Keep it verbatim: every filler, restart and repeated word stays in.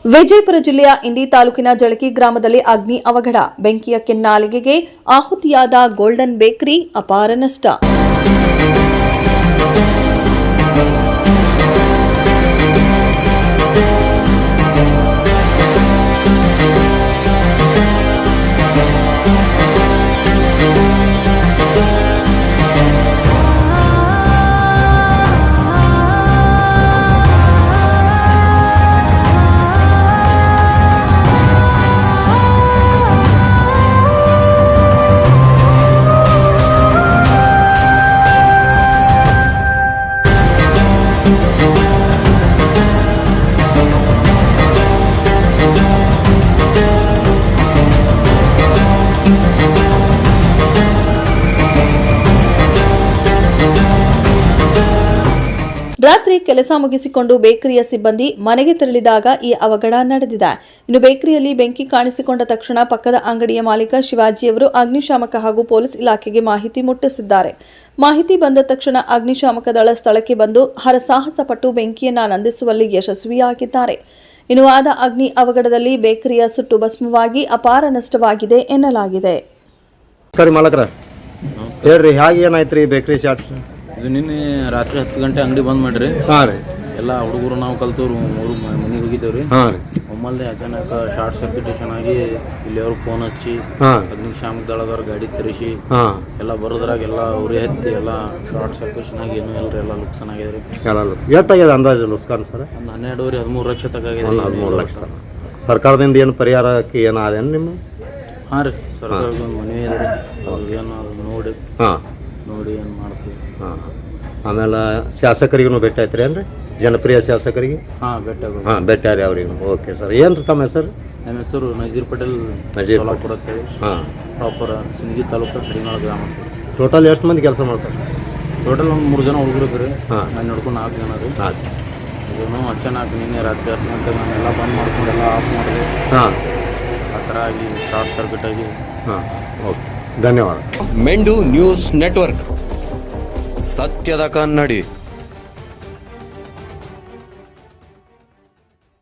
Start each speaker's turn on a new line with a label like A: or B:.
A: ವಿಜಯಪುರ ಜಿಲ್ಲೆಯ ಇಂಡಿ ತಾಲೂಕಿನ ಜಳಕಿ ಗ್ರಾಮದಲ್ಲಿ ಅಗ್ನಿ ಅವಘಡ. ಬೆಂಕಿಯ ಕೆನ್ನಾಲಿಗೆಗೆ ಆಹುತಿಯಾದ ಗೋಲ್ಡನ್ ಬೇಕರಿ, ಅಪಾರ ನಷ್ಟ. ರಾತ್ರಿ ಕೆಲಸ ಮುಗಿಸಿಕೊಂಡು ಬೇಕರಿಯ ಸಿಬ್ಬಂದಿ ಮನೆಗೆ ತೆರಳಿದಾಗ ಈ ಅವಘಡ ನಡೆದಿದೆ. ಇನ್ನು ಬೇಕರಿಯಲ್ಲಿ ಬೆಂಕಿ ಕಾಣಿಸಿಕೊಂಡ ತಕ್ಷಣ ಪಕ್ಕದ ಅಂಗಡಿಯ ಮಾಲೀಕ ಶಿವಾಜಿಯವರು ಅಗ್ನಿಶಾಮಕ ಹಾಗೂ ಪೊಲೀಸ್ ಇಲಾಖೆಗೆ ಮಾಹಿತಿ ಮುಟ್ಟಿಸಿದ್ದಾರೆ. ಮಾಹಿತಿ ಬಂದ ತಕ್ಷಣ ಅಗ್ನಿಶಾಮಕ ದಳ ಸ್ಥಳಕ್ಕೆ ಬಂದು ಹರಸಾಹಸ ಪಟ್ಟು ಬೆಂಕಿಯನ್ನು ನಂದಿಸುವಲ್ಲಿ ಯಶಸ್ವಿಯಾಗಿದ್ದಾರೆ. ಇನ್ನು ಆದ ಅಗ್ನಿ ಅವಘಡದಲ್ಲಿ ಬೇಕರಿಯ ಸುಟ್ಟು ಭಸ್ಮವಾಗಿ ಅಪಾರ ನಷ್ಟವಾಗಿದೆ ಎನ್ನಲಾಗಿದೆ.
B: ಇದು ನಿನ್ನೆ ರಾತ್ರಿ ಹತ್ತು ಗಂಟೆ ಅಂಗಡಿ ಬಂದ್ ಮಾಡ್ರಿ.
C: ಹಾಂ ರೀ.
B: ಎಲ್ಲ ಹುಡುಗರು ನಾವು ಕಲ್ತವ್ರು ಮೂರು ಮನೆಗೆ ಹೋಗಿದ್ದೇವ್ರಿ.
C: ಹಾಂ ರೀ.
B: ಒಮ್ಮಲ್ದೆ ಅಚಾನಕ್ ಶಾರ್ಟ್ ಸರ್ಕ್ಯುಟೇಷನ್ ಆಗಿ ಇಲ್ಲಿ ಅವ್ರಿಗೆ ಫೋನ್ ಹಚ್ಚಿ ಅಗ್ನಿಶಾಮಕ ದಳದವ್ರ ಗಾಡಿ ತರಿಸಿ ಎಲ್ಲ ಬರೋದ್ರಾಗ ಎಲ್ಲ ಉರಿ ಹತ್ತಿ ಎಲ್ಲ ಶಾರ್ಟ್ ಸರ್ಕ್ಯುಟೇಷನ್ ಆಗಿ ಏನೂ ಇಲ್ರಿ, ಎಲ್ಲ ಲುಕ್ಸಾನ್ ಆಗ್ಯದ್ರಿ.
C: ಎಷ್ಟಾಗ್ಯದ ಅಂದಾಜು ಲುಕ್ಸಾನ್ ಸರ್?
B: ಒಂದು ಹನ್ನೆರಡುವರೆ ಹದಿಮೂರು ಲಕ್ಷ ತಕ ಆಗಿದೆ.
C: ಹದಿಮೂರು ಲಕ್ಷ. ಸರ್ಕಾರದಿಂದ ಏನು ಪರಿಹಾರಕ್ಕೆ ಏನು ಅದೇನು ನಿಮ್ಮ?
B: ಹಾಂ ರೀ, ಸರ್ಕಾರದ ಒಂದು ಮನವಿ ಇದೆ ರೀ, ಅವ್ರಿಗೆ ಏನು ಅದು ನೋಡಿ
C: ಹಾಂ ನೋಡಿ
B: ಏನು ಮಾಡ್ತೀವಿ.
C: ಹಾಂ. ಆಮೇಲೆ ಶಾಸಕರಿಗೂ ಭೇಟಿ ಆಯ್ತು ರೀ ಏನ್ರಿ? ಜನಪ್ರಿಯ ಶಾಸಕರಿಗೆ?
B: ಹಾಂ ಭೇಟಿ ಆಗ
C: ಹಾಂ ಭೇಟಿ ಆರಿ ಅವ್ರಿಗೆ. Okay sir. ಏನು ರೀ ತಮ್ಮ ಹೆಸರು?
B: ನಮ್ಮ ಹೆಸರು ನಜೀರ್ ಪಟೇಲ್,
C: ನಜೀರ್
B: ಸೋಲಾಪುರ ಅಂತೇಳಿ.
C: ಹಾಂ.
B: ಪ್ರಾಪರ್ ಸಿಂದಗಿ ತಾಲೂಕು ಕಡಿನಾಳ ಗ್ರಾಮ.
C: ಟೋಟಲ್ ಎಷ್ಟು ಮಂದಿ ಕೆಲಸ ಮಾಡ್ತಾರೆ?
B: ಟೋಟಲ್ ಒಂದು ಮೂರು ಜನ ಹುಡುಗರು ಇದ್ರಿ.
C: ಹಾಂ.
B: ನಾನು ನೋಡ್ಕೊಂಡು ನಾಲ್ಕು ಜನ ರೀ.
C: ಹಾಂ.
B: ಇದನ್ನು ಅಚಾನಕ್ ನಿನ್ನೆ ರಾತ್ರಿ ಹತ್ತು ಗಂಟೆಗೆ ನಾನೆಲ್ಲ ಬಂದ್ ಮಾಡ್ಕೊಂಡು ಎಲ್ಲ ಆಫ್ ಮಾಡಿದೆ.
C: ಹಾಂ.
B: ಆ ಥರ ಆಗಿ ಶಾರ್ಟ್ ಸರ್ಕ್ಯೂಟ್ ಆಗಿ.
C: ಹಾಂ. ಓಕೆ, ಧನ್ಯವಾದ.
D: ಮೆಂಡು ನ್ಯೂಸ್ ನೆಟ್ವರ್ಕ್, ಸತ್ಯದ ಕನ್ನಡಿ.